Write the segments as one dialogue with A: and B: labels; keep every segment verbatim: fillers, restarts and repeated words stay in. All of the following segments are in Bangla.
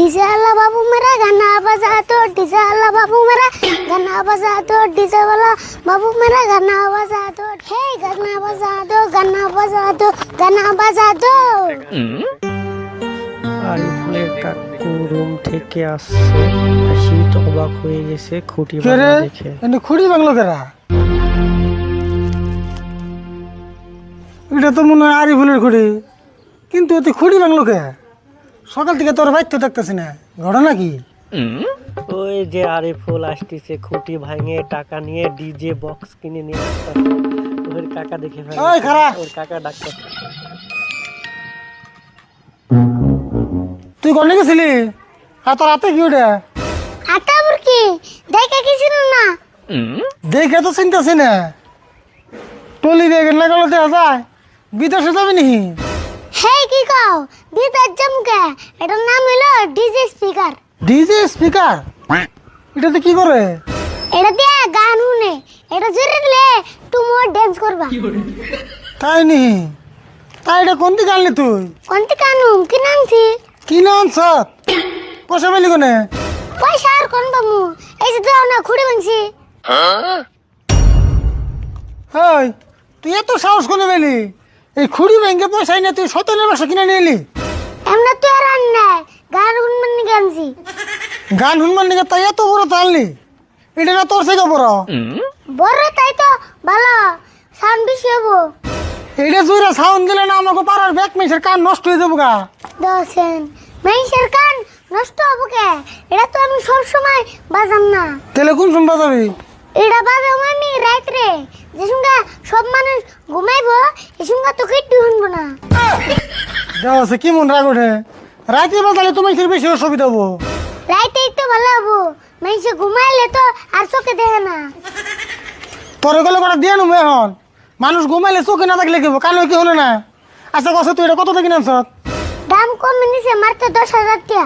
A: डीजे वाला बाबू मेरा गाना बजा दो, डीजे वाला बाबू मेरा गाना बजा दो, डीजे वाला बाबू मेरा गाना बजा दो, हे गाना बजा दो, गाना बजा दो, गाना बजा दो।
B: আরিফুলের কাকু রুম থেকে আসছে, আসি তো অবাক হয়ে গেছে খুঁটি ভাঙা দেখে।
C: এনে খুঁড়ি ভাঙলো কেরা? এটা তো মনে হয় আরিফুলের খুঁড়ি, কিন্তু এতে খুঁড়ি ভাঙলো কে? সকাল থেকে তোর বাইর তো দেখতেছি না, ঘটনা কি?
B: ওই যে আরিফুল আসতেছে খুঁটি ভাঙে টাকা নিয়ে ডিজে বক্স কিনে নিয়ে আসতেছে। ওর কাকা দেখে ফেলে,
C: ওই খারাপ
B: ওর কাকা ডাকতেছে।
C: তুই কোনে গেছিলি? আর তোর হাতে কি ওটা?
A: আটা বুরকি দেখে কিছু না,
C: দেখে তো চিন্তাছি না। টলি বেগের না গেলে দেখা যায় বিদেশে যাবি নি?
A: হে কি কও বিদার জমকে, এটার নাম হলো ডিজে স্পিকার।
C: ডিজে স্পিকার এটাতে কি করে?
A: এটা দিয়ে গান শুনে, এটা জোরে দিলে তুমি ডান্স করবা।
C: তাই নি? তাই এটা কোন দিকে আনলি তুই?
A: কোনটি কানু কি নামছি?
C: কি নাম সব পয়সা পেলি কোনে?
A: পয়সা আর কোন বামু, এই যে দাও না খুঁড়ে ভাঙছি।
C: ওই তুই এত সাহস কোনে পেলি? এই খুঁড়ি ব্যাংকে পয়সা নিয়ে তুই সতেনের বাসা কিনে নিয়ে এলি?
A: এমনা তো আর আন না, গান শুনবেন নি গানছি।
C: গান শুনবার নিকে তাই এত বড় তো আনলি? এটা না তোর থেকে বড়?
A: বড় তাই তো ভালো, সাউন্ড বেশি হবো।
C: এইটা জুড়ে সাউন্ড দিলে না আমাকে পাড়ার ব্যাক মেসের কান নষ্ট হয়ে যাবো গা।
A: দশেন মেইসের কান নষ্ট হবো কে? এটা তো আমি সব সময় বাজাম না।
C: তাহলে কোন শুনবা যাবি?
A: এটা বাজাম আমি রাত্রে, যে সঙ্গে সব মানুষ ঘুমাইবো, এই সঙ্গে তো কিট্টু শুনবো না।
C: দেওয়া আছে কি মন রাগ ওঠে? রাতে বাজালে তোমার বেশি অসুবিধা হবো।
A: রাইতেই তো ভালো হবো, মেইসে ঘুমাইলে তো আর চোখে দেখে না।
C: তোর গেলে কটা দিয়ে নেবো এখন। মানুষ ঘুমাইলে চোখে না থাকলে কি কানে কি হলো না? আচ্ছা কষ্ট তুই এটা কত থেকে নামছ?
A: দাম কমে নিছে মাত্র দশ হাজার টাকা।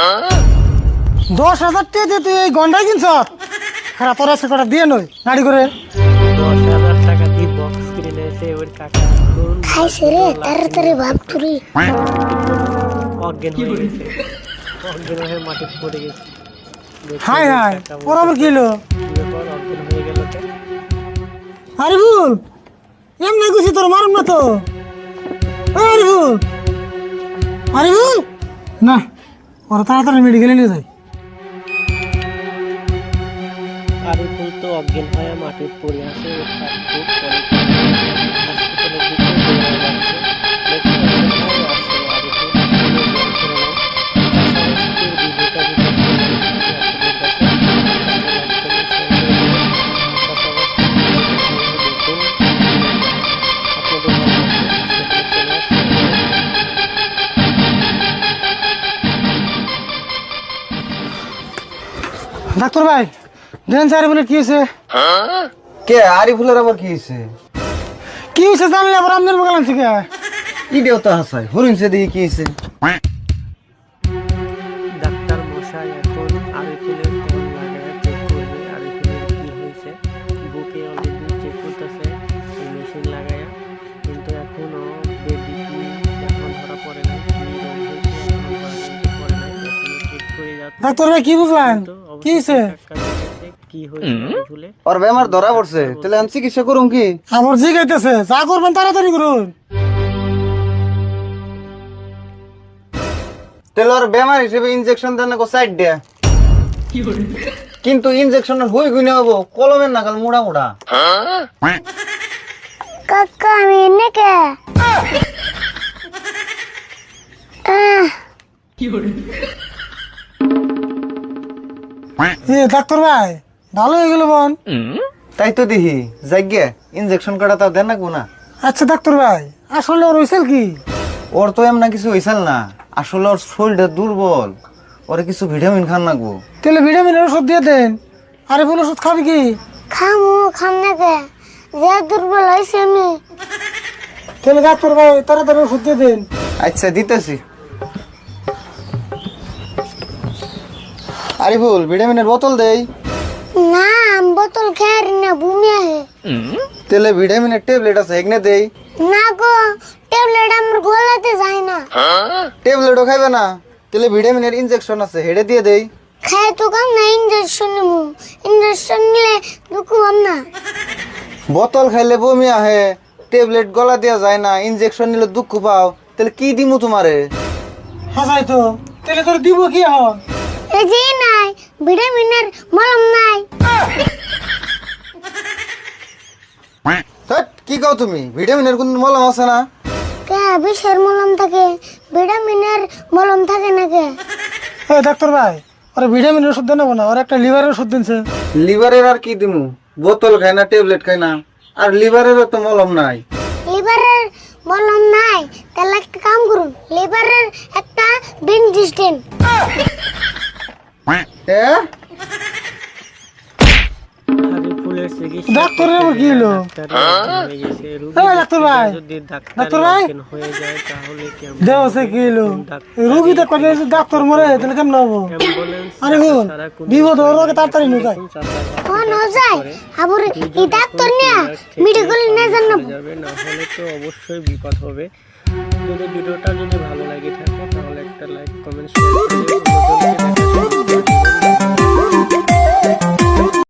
C: দশ হাজার টাকা দিয়ে তুই এই গন্ডাই কিনছ? হ্যাঁ তোর আছে কটা দিয়ে নই নাড়ি করে।
B: দশ হাজার টাকা দিয়ে বক্স কিনে নিয়েছে ওর কাকা। এখন
A: খাইছে রে তাড়াতাড়ি ভাব তুরি।
B: অজ্ঞান হয়ে গেছে, অজ্ঞান হয়ে মাটিতে পড়ে গেছে। দেখে
C: হাই
B: ওর
C: হাই
B: কাকা
C: ওর আবার কি হলো?
B: বলছে, "পর অজ্ঞান হয়ে গেল কে?"
C: আরিফুল এমনি গুছি তোর মারুম না তো। ওই আরিফুল, আরিফুল না ওরা তাড়াতাড়ি মেডিকেলে নিয়ে যায়।
B: আরিফুল তো অজ্ঞান হয়ে মাটিতে পড়ে আছে। ওর কাকু পরে হসপিটালের দিকে দৌড়ে যাচ্ছে। দেখে অজ্ঞান হয়ে আসছে আরিফুল। আরিফুলের জ্ঞান ফেরে নেয়। পাশাপাশি ভিডিওটা যদি আপনাদের কাছে তাহলে লাইক করুন, শেয়ার করে দেবেন। পাশাপাশি দেখুন আপনাদের ভালো লাগবে সেখানে চলে আসছে।
C: ডাক্তার ভাই দেন স্যার বলে কি হয়েছে?
D: কে আরিফুলের আবার কি হয়েছে?
C: কি হয়েছে জানলে আবার আপনার বললাম থেকে
D: ইডিও তো হাসায় হরিণছে দেখি কি হয়েছে।
B: ডাক্তার মশাই এখন আরিফুলের কল লাগায় চেক করবে আরিফুলের কি হয়েছে। বুকে অলরেডি চেক করতেছে এই মেশিন লাগায়া, কিন্তু এখনো বেবি কি এখন ধরা পড়ে নাই, কি রোগ হয়েছে এখনো ধরা কিন্তু পড়ে নাই, এখনো চেক করে যাচ্ছে।
C: ডাক্তার ভাই কি বুঝলেন?
B: তো
C: কি হয়েছে?
B: অবশ্যই কাকা দেখেছে কি হয়েছে আরিফুলে।
D: ওর বেমার ধরা পড়ছে, তাহলে আমি চিকিৎসা করুম কি?
C: আমার জিগাইতেছে যা করবেন তাড়াতাড়ি করুন।
D: তাহলে ওর বেমার হিসেবে ইনজেকশন দেন না সাইড দেয়া, কিন্তু ইনজেকশনের হই গুনে হবো কলমের নাগাল মোড়া মোড়া।
A: কাকা আমি এনে কে? আহ,
C: এ ডাক্তার ভাই ভালো হয়ে গেল বোন।
D: তাই তো দেখি যাইগে ইনজেকশন কাটা তাও দেন না না।
C: আচ্ছা ডাক্তার ভাই আসলে ওর হয়েছিল কি?
D: ওর তো এমন কিছু হয়েছিল না, আসলে ওর শরীরটা দুর্বল, ওরে কিছু ভিটামিন খান লাগবো।
C: তাহলে ভিটামিনের ওষুধ দিয়ে দেন। আরে বল ওষুধ খাবি কি?
A: খামু খাম না কে, যে দুর্বল হয়েছে আমি।
C: তাহলে ডাক্তার ভাই তাড়াতাড়ি ওষুধ দিয়ে দেন।
D: আচ্ছা দিতেছি। আরিফুল ভিটামিনের বোতল দেই
A: না, বোতল খেয়ে না বমি আহে।
D: তেলে ভিটামিনের ট্যাবলেট আছে এগনে দেই
A: না গো, ট্যাবলেট আমার গলাতে যায় না।
D: ট্যাবলেটও খাইবে না তাহলে ভিটামিনের ইনজেকশন আছে হেডে দিয়ে দেই।
A: খায় তো কাম না, ইঞ্জেকশন নিমু। ইঞ্জেকশন নিলে দুঃখ হম না।
D: বোতল খাইলে বমি আহে, ট্যাবলেট গলা দেওয়া যায় না, ইনজেকশন নিলে দুঃখ পাও, তাহলে কি দিমু তোমারে?
C: হাসাই তো তাহলে তোর দিব কি এখন?
A: এই যে নাই ভিটামিনের মলম নাই।
D: ধ্যাৎ, কি কও তুমি? ভিটামিনের কোন মলম আছে না?
A: কে বিষের মলম থাকে, ভিটামিনের মলম থাকে না কে?
C: এই ডাক্তার ভাই, ওরা ভিটামিনের ওষুধ দেন না, ওরা একটা লিভারের ওষুধ দিনছে।
D: লিভারের আর কি দিমু? বোতল খাই না, ট্যাবলেট খাই না, আর লিভারেরও তো মলম নাই।
A: লিভারের মলম নাই, তাহলে একটা কাম করুন, লিভারের একটা বেনজিস্টেন।
D: এ
B: আরিফুলের চিকিৎসা
C: ডাক্তারের আবার কি হলো?
B: হয়ে গেছে। রোগী
C: এই ডাক্তার ভাই,
B: যদি ডাক্তার
C: ডাক্তার ভাই,
B: অজ্ঞান হয়ে যায় তাহলে কেমন?
C: দেহ সে কি হলো? রুগী তো কথা ডাক্তার মরে তাহলে কেমন হবো?
B: অ্যাম্বুলেন্স
C: আরে হুন, বিপদ ওর আগে তাড়াতাড়ি নুকায়।
A: কোন যায় আবুর এই ডাক্তার নিয়ে মেডিকেল নিয়ে যান না।
B: যাবে না হলে তো অবশ্যই বিপদ হবে। যদি ভিডিওটা যদি ভালো লাগে থাকে তাহলে একটা লাইক কমেন্ট শেয়ার করে অন্যজনকে দেখার সুযোগ